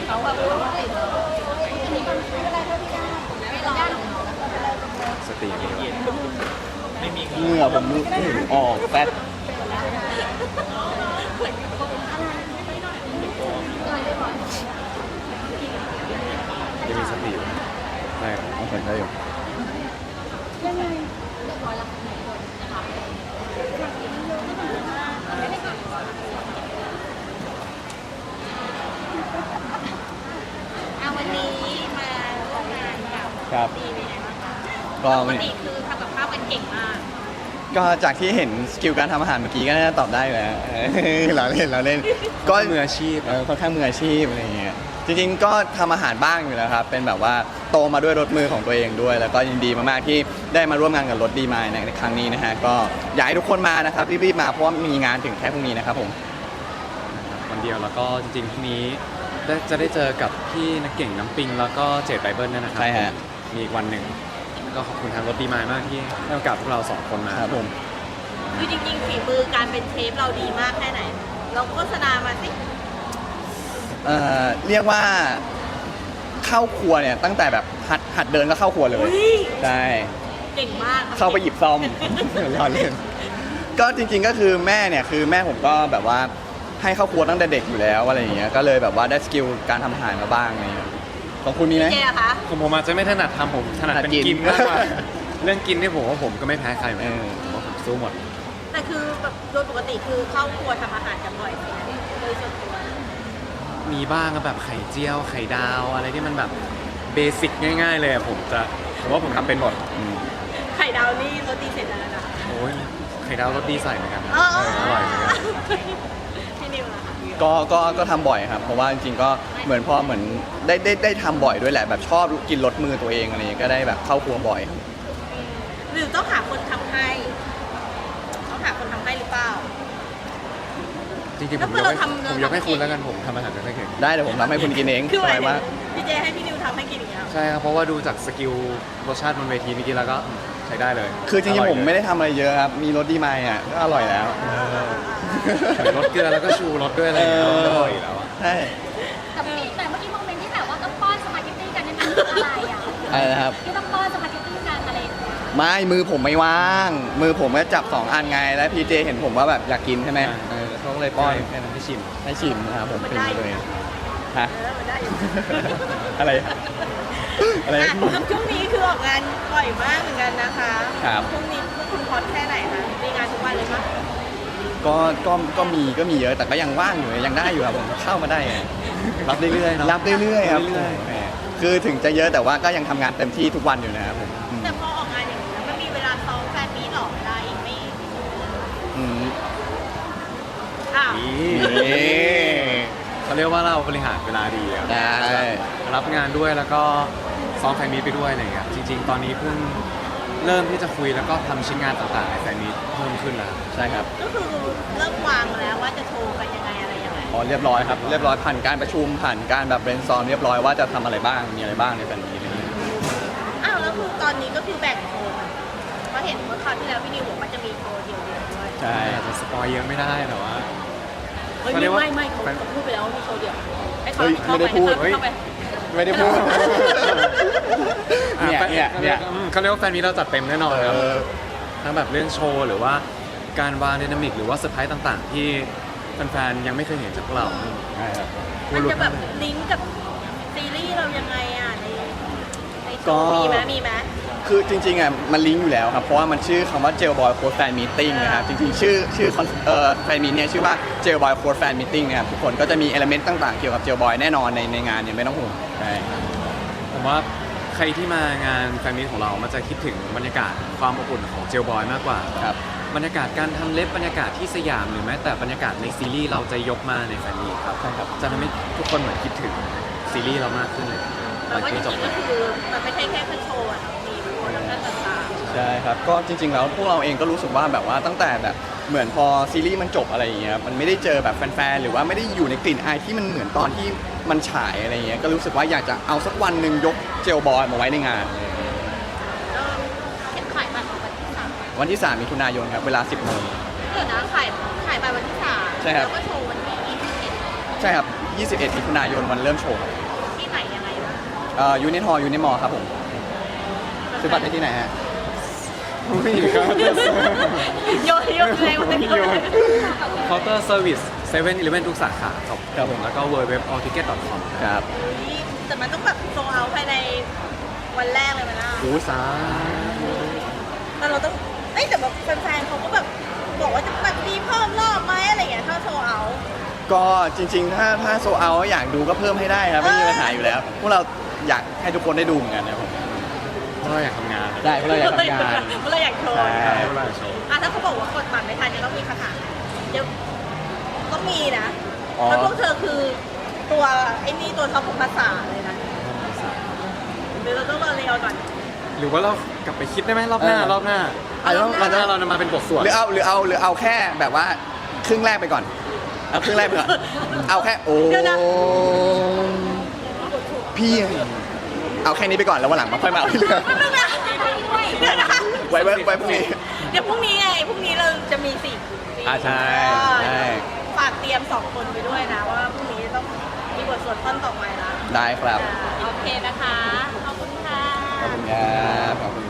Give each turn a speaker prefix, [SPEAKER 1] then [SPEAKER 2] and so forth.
[SPEAKER 1] เขาแบบติดอะไรเท่าที่ได้ไม่ร้อน
[SPEAKER 2] สติไม่มี
[SPEAKER 3] เหงื่อผมออกแฟต
[SPEAKER 2] ยังมีสติอยู่ได้ครับ
[SPEAKER 3] เอาใส่ได้อยู่
[SPEAKER 1] ยังไงเอาวันนี้มาร่วมงานกับ
[SPEAKER 3] ครับ
[SPEAKER 1] ดีเป็นไงบ้างคะ
[SPEAKER 3] ก็
[SPEAKER 1] ปกติคือทำกับข้าวกันเก่งมาก
[SPEAKER 3] ก็จากที่เห็นสกิลการทำอาหารเมื่อกี้ก็น่าจะตอบได้อยู่แล้วเราเล่นก็
[SPEAKER 2] มืออาชีพ
[SPEAKER 3] ค่อนข้างมืออาชีพอะไรอย่างเงี้ยจริงๆก็ทำอาหารบ้างอยู่แล้วครับเป็นแบบว่าโตมาด้วยรสมือของตัวเองด้วย แล้วก็ยินดีมากๆที่ได้มาร่วมงานกับรถดีมายในครั้งนี้นะฮะก็อยากให้ทุกคนมานะครับรีบๆมาเพราะว่ามีงานถึงแค่พรุ่งนี้นะครับผม
[SPEAKER 2] วันเดียวแล้วก็จริงๆพรุ่งนี้จะได้เจอกับพี่นักเก่งน้ำปิงแล้วก็เจดไบเบิลด้วยนะครับ
[SPEAKER 3] ใช่ฮะ
[SPEAKER 2] มีอีกวันหนึ่งก็ขอบคุณทางรถดีมายมากที่ให้โอกาสพวกเราสองคนมา
[SPEAKER 3] ครับผม
[SPEAKER 1] คือจริงๆฝีมือการเป็นเชฟเราดีมากแค่ไหนเราโฆษณามาสิ
[SPEAKER 3] เรียกว่าเข้าครัวเนี่ยตั้งแต่แบบหัดเดินก็เข้าครัวเลย
[SPEAKER 1] อุ้ย
[SPEAKER 3] ใช่
[SPEAKER 1] เก่งมาก
[SPEAKER 3] เข้าไปหยิบซ่อม รอเล่นก็จริงๆก็คือแม่เนี่ยคือแม่ผมก็แบบว่าให้เข้าครัวตั้งแต่เด็กอยู่แล้วอะไรอย่างเงี้ยก็เลยแบบว่าได้สกิลการทำอาหารมาบ้างอะไรอย่างเงี้ยของคุณมีไหม
[SPEAKER 1] เจ๊อะคะ
[SPEAKER 2] ผมอาจจะไม่ถนัดทำผมถนัดเป็น
[SPEAKER 3] ถนัดกิน
[SPEAKER 2] กินมากกว่า เรื่องกินนี่ผมว่าผมก็ไม่แพ้ใครเหมือนกัน
[SPEAKER 3] เออ
[SPEAKER 2] ผมว่าผมสู้หมด
[SPEAKER 1] แต่คือแบบโดยปกติคือเข้าครัวทำอาหารกันบ่อยไหมโดยส่วนตัว
[SPEAKER 2] มีบ้างก็แบบไข่เจียวไข่ดาวอะไรที่มันแบบเบสิกง่าย ๆ เลยอะผมว่าผมทำเป็นหมด
[SPEAKER 1] ไข่ดาวนี่รสดีเสร็จแล้วนะ
[SPEAKER 2] โอ้ยไข่ดาวรสดีใส่เหมือนกันนะ
[SPEAKER 1] เออ
[SPEAKER 2] อร่อยเหมือนกัน
[SPEAKER 1] พี่นิวล่ะคะ
[SPEAKER 3] ก็ทำบ่อยครับเพราะว่าจริงๆก็เหมือนพอเหมือนได้ทำบ่อยด้วยแหละแบบชอบกินรสมือตัวเองอะไรอย่างเงี้ยก็ได้แบบเข้าครัวบ่อยครับ
[SPEAKER 1] หรือต้องหาคนทำให้ต้องหาคนทำให้หรือเปล่า
[SPEAKER 2] จริงๆ
[SPEAKER 1] แล้
[SPEAKER 2] ผ
[SPEAKER 1] ว
[SPEAKER 2] ม
[SPEAKER 1] เมื่
[SPEAKER 2] ย
[SPEAKER 1] อก เรา
[SPEAKER 2] ให้
[SPEAKER 1] ทำ
[SPEAKER 2] ผมยกให้คุณแล้วกันผมทำอาหารไม่ค่อยเก่ง
[SPEAKER 3] ได้เดี๋ยวผมทำให้คุณกินเอง
[SPEAKER 1] คือ
[SPEAKER 3] ส
[SPEAKER 1] หมา
[SPEAKER 3] บาย ย
[SPEAKER 1] ถึ
[SPEAKER 3] มาก
[SPEAKER 1] งพี่เจให้พี่นิวทำให้กินอย่างเงี้ย
[SPEAKER 2] ใช่ครับเพราะว่าดูจากสกิลรสชาติบนเวทีเมื่อกี้แล้วก็ใช้ได้เลย
[SPEAKER 3] คือจริงๆผมไม่
[SPEAKER 2] ได้
[SPEAKER 3] ได้ทำอะไรเยอะครับมีรสดีมายอ่ะก็อร่อยแล้ว
[SPEAKER 2] รสเกลือแล้วก็ชูรสด้วยอะไรอย่างเงี้ยก็อร่อยอยู่แล้วอะ
[SPEAKER 3] ใช่
[SPEAKER 4] แต่เมื่อกี้โมเมนต์ที่แบบว่าต้องป้อนสปาเกตตี้กันเนี่ยมันคืออะไรอ่ะ
[SPEAKER 3] อะไรนะครับ
[SPEAKER 4] ที่ต้องป้อนสปาเกตตี้กันอะไรอย่างเงี้ย
[SPEAKER 3] ไม่มือผมไม่ว่าง มือผมก็จับ2อันไงแล้วพีเจเห็นผมว่าแบบอยากกินใช่ไหมเขาก็เลยป้อน
[SPEAKER 2] แค่นั้นให้ชิม
[SPEAKER 3] ให้ชิมนะครับผมเป็นเลยฮะ
[SPEAKER 1] มันได้อยู่
[SPEAKER 3] อะไรอะไร
[SPEAKER 1] อ่ะแล้วช่วงนี้คือออกงานบ่อยมากเหมือนกันนะคะ
[SPEAKER 3] ครับ
[SPEAKER 1] ช่วงนี้พวกคุณฮอตแค่ไหนคะมีงานทุกวันเลยมั้ย
[SPEAKER 3] ก็มีเยอะแต่ก็ยังว่างอยู่ยังได้อยู่ครับผมเข้ามาได้ไง
[SPEAKER 2] รับเรื่อยๆเนาะ
[SPEAKER 3] รับเรื่อยๆครับ
[SPEAKER 2] เรื่อย
[SPEAKER 3] แหมคือถึงจะเยอะแต่ว่าก็ยังทำงานเต็มที่ทุกวันอยู่นะครับผม
[SPEAKER 1] แต่พอออกงานอย่างนี้แล้วมันมีเวลาซ้อมแฟนมีตหรอเวลาอีกไม่
[SPEAKER 3] อืม
[SPEAKER 1] อ้าว
[SPEAKER 2] นี่
[SPEAKER 3] นี่
[SPEAKER 2] เขาเรียกว่าเราบริหารเวลาดีอะ
[SPEAKER 3] ได้
[SPEAKER 2] รับงานด้วยแล้วก็ซ้อมแฟนมีตไปด้วยอะไรอย่างเงี้ยจริง ๆ ตอนนี้เพิ่งเริ่มที่จะคุยแล้วก็ทำชิ้นงานต่างๆในแฟนมีตเพิ่มขึ้นแล้ว
[SPEAKER 3] ใช่ครับ
[SPEAKER 1] ก็คือเริ่มวางแล้วว่าจะโชว์กันยังไงอะไรยังไง
[SPEAKER 3] อ๋อเรียบร้อยครับเรียบร้อยผ่านการประชุมผ่านการแบบเบรนซอร์มเรียบร้อยว่าจะทำอะไรบ้างมีอะไรบ้างในแฟนมีตนี้
[SPEAKER 1] อ้าวแล้วคือตอนนี้ก็คือแบ่งโชว์กันเพราะเห็นเมื่อคราวที่แล้วพี่นิวบอกว่าจะมีโชว์เดียวๆด้วย
[SPEAKER 3] ใช่
[SPEAKER 2] อาจจะสปอยเยอะไม่ได้แต่ว่า
[SPEAKER 1] เฮ้ย
[SPEAKER 2] เขาเรียกว่า
[SPEAKER 1] ไม่เขาพูดไปแล้วว่ามีโชว์เดียวให้เขา
[SPEAKER 3] เฮ้ย
[SPEAKER 1] เข้า
[SPEAKER 3] ไม่
[SPEAKER 1] ไป
[SPEAKER 3] ได้พูด
[SPEAKER 1] ให้เข้าไป
[SPEAKER 3] ไม่ได้พูด
[SPEAKER 2] อ่ะ
[SPEAKER 3] เนี่ย
[SPEAKER 2] เขาเรียกว่าแฟนมีตเราจัดเต็มแน่นอนครับ ทั้งแบบเรื่องโชว์หรือว่าการวางไดนามิกหรือว่าเซอร์ไพรส์ต่างๆ ที่แฟนๆยังไม่เคยเห็นจากพวกเรา
[SPEAKER 3] ใช่ครับ
[SPEAKER 1] มันจะแบบลิงก์กับซีรีส์เรายังไงอ่ะในโช
[SPEAKER 3] ก็
[SPEAKER 1] ว์มีไหม
[SPEAKER 3] คือจริงๆอ่ะมันลิงก์อยู่แล้วครับเพราะว่ามันชื่อคำว่า Jail Boy Code Fan Meeting นะครับจริงๆชื่อแฟนมีตเนี่ยชื่อว่า Jail Boy Code Fan Meeting นะครับทุกคนก็จะมีเอลเมนต์ต่างๆเกี่ยวกับ Jail Boy แน่นอนในงานเนี่ยไม่ต้องห่วงใช่
[SPEAKER 2] ผมว่าใครที่มางานแฟนมีตของเรามันจะคิดถึงบรรยากาศความอบอุ่นของเจลบอยมากกว่า
[SPEAKER 3] ครับ
[SPEAKER 2] บรรยากาศการทำเล็บบรรยากาศที่สยามหรือแม้แต่บรรยากาศในซีรีส์เราจะยกมาในแฟนมีตครับ
[SPEAKER 3] ใช่ครับ
[SPEAKER 2] จะทำให้ทุกคนเหมือนคิดถึงซีรีส์เรามากขึ้นเลยห
[SPEAKER 1] แต่
[SPEAKER 2] ลัง
[SPEAKER 1] ว่าจ
[SPEAKER 2] จาก
[SPEAKER 1] ริ
[SPEAKER 2] จบ
[SPEAKER 1] งๆ
[SPEAKER 2] ไป
[SPEAKER 1] ก็คือมันไม่ใช่แค่โชว์อ่ะมีโปรดักชั่นต่าง
[SPEAKER 3] ใช่ครับก็จริงๆแล้วพวกเราเองก็รู้สึกว่าแบบว่าตั้งแต่แบบเหมือนพอซีรีส์มันจบอะไรอย่างเงี้ยมันไม่ได้เจอแบบแฟนๆหรือว่าไม่ได้อยู่ในกลิ่นอายที่มันเหมือนตอนที่มันฉายอะไรอย่างเงี้ยก็รู้สึกว่าอยากจะเอาสักวันหนึ่งยกเจลบอยมาไว้ในงาน
[SPEAKER 1] ๆก็เห็นขายบัตรวันที่สาม
[SPEAKER 3] วันที่3 มิถุนายนครับเวลา 10 โมง
[SPEAKER 1] เดี๋ยวนะขายบัตรวันที่สาม
[SPEAKER 3] ใช่ครับ
[SPEAKER 1] แล้วก็โชว์วันที่21
[SPEAKER 3] ใช่ครับ 21มิถุนายนวันเริ่มโชว์ครับ
[SPEAKER 1] ที่ไหนยังไงบ้าง
[SPEAKER 3] ยูนิทอยูนิมอครับผมซื้อบัตรได้ที่ไหนฮะ
[SPEAKER 2] ไม่มีครับ
[SPEAKER 1] โยนเลยวันนี้
[SPEAKER 2] เคาน์เตอร์เซอร์วิส7 e เ e ่ e ทุกสาขาครับ
[SPEAKER 3] ครับผม
[SPEAKER 2] แล้วก็ www.allticket.com
[SPEAKER 3] ครับ
[SPEAKER 1] แต่มันต้องแบบโซเอาภายในวันแรกเลยมันนะ
[SPEAKER 2] โอ้สา
[SPEAKER 1] แต่เราต้องแต่แบบแฟนๆเขาก็แบบบอกว่าจะแบบมีเพิ่มรอบไหมอะไรอย่างเงี้ยถ้าโซเอา
[SPEAKER 3] ก็จริงๆ ถ้าโซเอาอยากดูก็เพิ่มให้ได้ครับไม่มีปัญหาอยู่แล้ว พวกเราอยากให้ทุกคนได้ดูเหมือนกันนะครับผม
[SPEAKER 2] เพราะเราอยากทำงาน
[SPEAKER 3] ได้พวกเราอยากทำงาน
[SPEAKER 1] เราอยากโชว์
[SPEAKER 3] ใช่
[SPEAKER 2] ใช่เพราะเราอยากโชว์
[SPEAKER 1] ถ้าเขาบอกว่ากดบัตรไม่ทันจะต้องมีคาถาเดี๋ยวต้องมีนะ
[SPEAKER 3] อ๋อ
[SPEAKER 1] แล้วพวกเธอคือตัวไอ้นี่ตัวท็อปของภาษาเลยนะหรือเราต้องรอเรียวก่อน
[SPEAKER 2] หรือว่าเรากลับไปคิดได้ไหมรอบหน้ารอบหน้า
[SPEAKER 3] อาจจะต้อง
[SPEAKER 2] รอบหน้าเรานำมาเป็นบทสวด
[SPEAKER 3] หรือเอาแค่แบบว่าครึ่งแรกไปก่อนเอาครึ่งแรกไปก่อนเอาแค่โอ้
[SPEAKER 1] เดี๋ยวนะ
[SPEAKER 3] พี่เอาแค่นี้ไปก่อนแล้ววันหลังมาค่อยมาเอาที่เหลือ
[SPEAKER 1] เดี๋ยวนะ
[SPEAKER 3] ไว้พรุ่งนี้
[SPEAKER 1] เดี๋ยวพรุ่งนี้ไงพรุ่งนี้เราจะมีสี่
[SPEAKER 3] ใช่ใช่
[SPEAKER 1] ฝากเตรียม2 คนไปด้วยนะว่าพรุ่งนี้ต้องมีบทสวดท่อนต่อไปละ
[SPEAKER 3] ได้ครับ
[SPEAKER 1] โอเคนะคะ ขอบคุณค่ะ
[SPEAKER 3] ขอบคุณครับขอบคุณ